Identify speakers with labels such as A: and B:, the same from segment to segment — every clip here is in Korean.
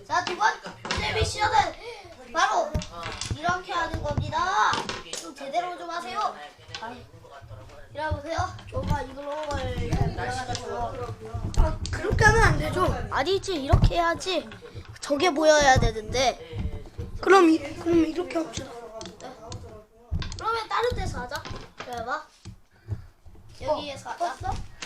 A: 자, 두 번째 미션은 바로 이렇게 하는 겁니다. 좀 제대로 좀 하세요. 이러보세요. 정말 이걸 잘
B: 그렇게 하면 안 되죠.
A: 아니지, 이렇게 해야지. 저게 보여야 되는데.
B: 그럼 이렇게 합시다.
A: 그러면 다른 데서 하자. 그래 봐. 여기에서 하자.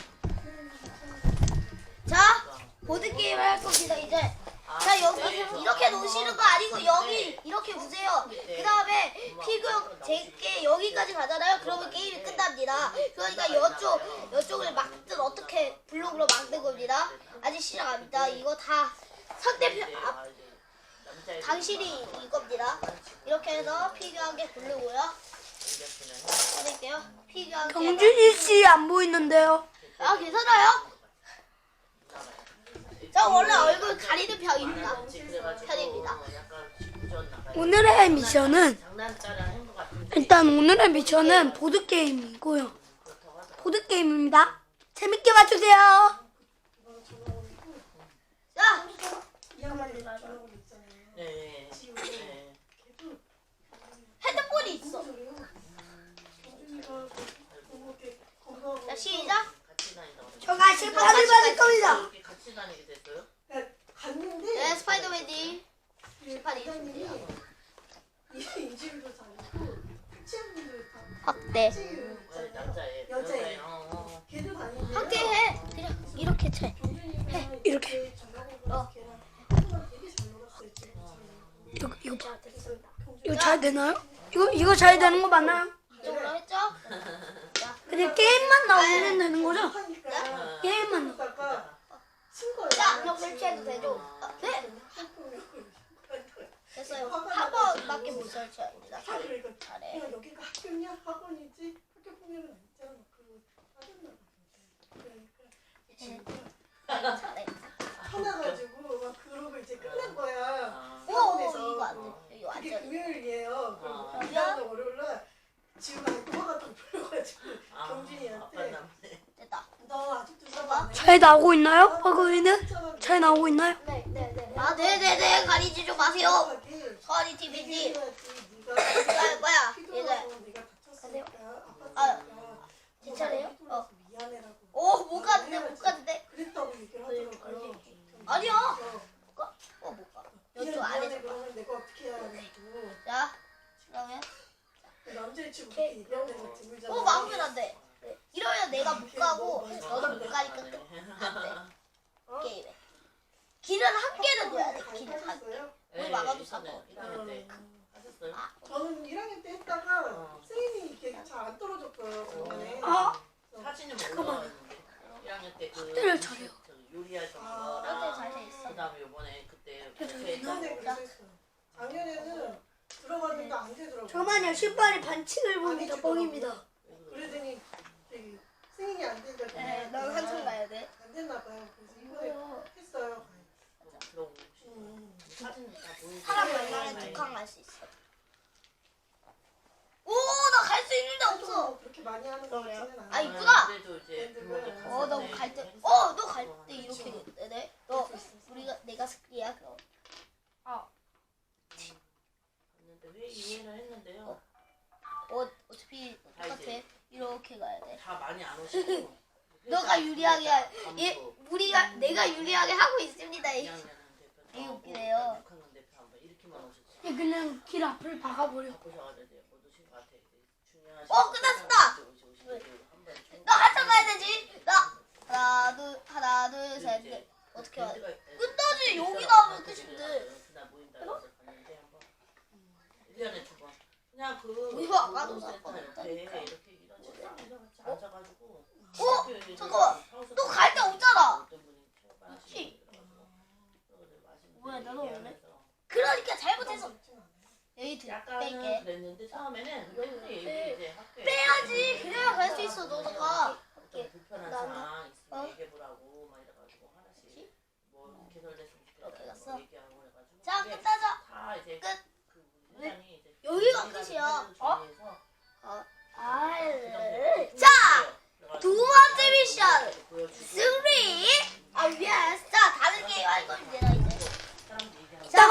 A: 자, 보드게임을 할 겁니다, 이제. 자, 여기 이렇게 놓으시는 거 아니고 여기 이렇게 보세요. 그 다음에 피규어 제게 여기까지 가잖아요. 그러면 게임이 끝납니다. 그러니까 이쪽을 막든 어떻게 블록으로 막는 겁니다. 아직 시작합니다. 이거 다 상대편 당신이 이겁니다. 이렇게 해서 피규어하게 고르고요. 해볼게요. 피규어하게.
B: 경준이 씨 안 보이는데요.
A: 아, 괜찮아요? 저 원래 얼굴 가리는 편입니다.
B: 오늘의 미션은 보드 게임이고요. 보드 게임입니다. 재밌게 봐주세요.
A: 자, 핸드폰이 있어. 자, 시작.
B: 저가 실패를 받을 겁니다.
C: 같이 다니게 됐어요?
D: 갔는데
A: 네, 스파이더맨이 실판이 있습니다.
D: 인지도 다니고 치아분들 다
A: 확대.
C: 남자애,
D: 여자애. 걔도 다니는데
A: 확대해. 그냥 이렇게 채.
B: 이렇게.
A: 어.
D: 되게 잘 놀았어요.
B: 이거 봐.
A: 자, 됐습니다.
B: 이거 잘 되나요? 이거 잘 되는 거 맞나요?
A: 이쪽으로 했죠? 자,
B: 그냥 게임만 나오면 되는 거죠?
D: 하니까
B: 게임만.
D: 다가 친 거예요.
A: 자, 그럼 설치해도 되죠? 네, 됐어요. 한 번밖에 못 설치합니다. 잘해.
D: 야 여기가 학교냐 학원이지 학교 폭력은 아니잖아. 그리고 빠졌나 봐. 그러니까
A: 잘해.
D: 화나가지고 막 그러고 이제 끝난 거야.
A: 오, 이거 안 돼. 이거
D: 그게
A: 완전.
D: 금요일이에요.
C: 아.
D: 그리고 그다음날 월요일날 지우가 또 화가 또 풀려가지고
C: 아빠
D: 경진이한테
C: 남네.
A: 됐다.
D: 너 아직도 써봐.
B: 잘 나오고 있나요? 버그위는? 잘 나오고 있나요?
A: 네. 아, 네네네. 가리지 좀 마세요. 서한이 TV지. 내가 할 거야. 이제. 아, 괜찮아요? 어.
D: 미안해라고.
A: 오, 못 가는데, 못 가는데.
D: 그랬다고 얘기를 하더라고요.
A: 아니야. 못 가. 이쪽
D: 미안해
A: 안에서 가.
D: 그러면 내가 어떻게 해야 하냐고.
A: 자, 그러면.
D: 남자의 친구 그렇게 얘기하는 거 드물잖아.
A: 막으면 안 돼. 이러면 내가 못 가고, 너도 못 가니까 안 돼. 게임에. 길은 한 개는 둬야 돼. 길은 한 개. 우리 막아도 상관없어.
C: 하셨어요?
D: 저는 1학년 때 했다가 세인이 이게 잘 안 떨어졌어요. 그동안에.
B: 아,
C: 사진은
B: 잠깐만요.
C: 1학년 때 그
B: 확대를 잘해요.
C: 요리하던
A: 확대
C: 거랑
A: 잘 돼 있어.
C: 그다음에 요번에 그때
D: 작년에 그랬어요. 작년에는 들어갔는데 안 되더라고요.
B: 저만요 신발이 반칙을 봅니다. 뻥입니다.
D: 그러더니 저기 승인이 안 된다.
A: 네, 넌 한참 가야 돼.
D: 안 됐나 봐요. 그래서 이번에 했어요.
C: 사진 다 보이고
A: 사람 만나면 두칸 갈 수 있어. 오, 나 갈 수 있는데 없어.
D: 그렇게 많이 하는 거 같지는 않아요.
A: 아, 이쁘다.
C: 그래도 이제
A: 너 갈 때, 너 갈 때 이렇게 되네. 너, 내가 스키야, 그럼.
C: 갔는데 왜 이해를 했는데요?
A: 어차피 똑같아. 이렇게 가야 돼.
C: 다 많이 안 오시고
A: 너가 유리하게, 내가 유리하게 하고 있습니다. 이게 웃기네요.
C: 6학년 대표 한번 이렇게만 오셨지.
B: 그냥 길 앞을 박아버려.
C: 바꾸셔가지고 못 오신 것 같아. 중요하신
A: 끝났습니다.
C: 한번
A: 너 한참 가야 되지. 하나, 둘, 셋, 넷. 어떻게 해야 돼? 끝나지. 여기 나오면 끝인데.
C: 그날 모인다고 해서 갔는데 한번 1년에 2번 그냥 그
A: 이거 아까도
C: 센터 옆에
A: 샀거든.
C: 이렇게 이런 식으로 같이 앉아가지고
A: 잠깐만. 너 갈 데 없잖아.
C: 어떤 분이
A: 있지?
C: 맛있는
A: 뭐야, 나도
C: 얘기하면서
A: 없네. 그러니까 잘못해서. 여기
C: 약간은
A: 뺄게.
C: 그랬는데 처음에는 근데 이제 학교에
A: 빼야지. 그래야 갈 수 있어. 너가.
C: 좀 불편한
A: 그다음에?
C: 상황 있으면
A: 어?
C: 얘기해보라고 막 이래가지고 하나씩 뭐 개설됐으면
A: 이렇게
C: 좋겠다고
A: 갔어?
C: 얘기하고 그래가지고
A: 자,
C: 그게
A: 끝나자.
C: 다 이제
A: 끝.
C: 그 회장이 이제
A: 여기가
C: 회의를
A: 끝이야.
C: 정리해서
A: 자, 두 번째 미션.
C: 보여주고
A: 3. 자, 다른 게임 할 겁니다, 이제.
C: 사람들 얘기하고.
A: 자,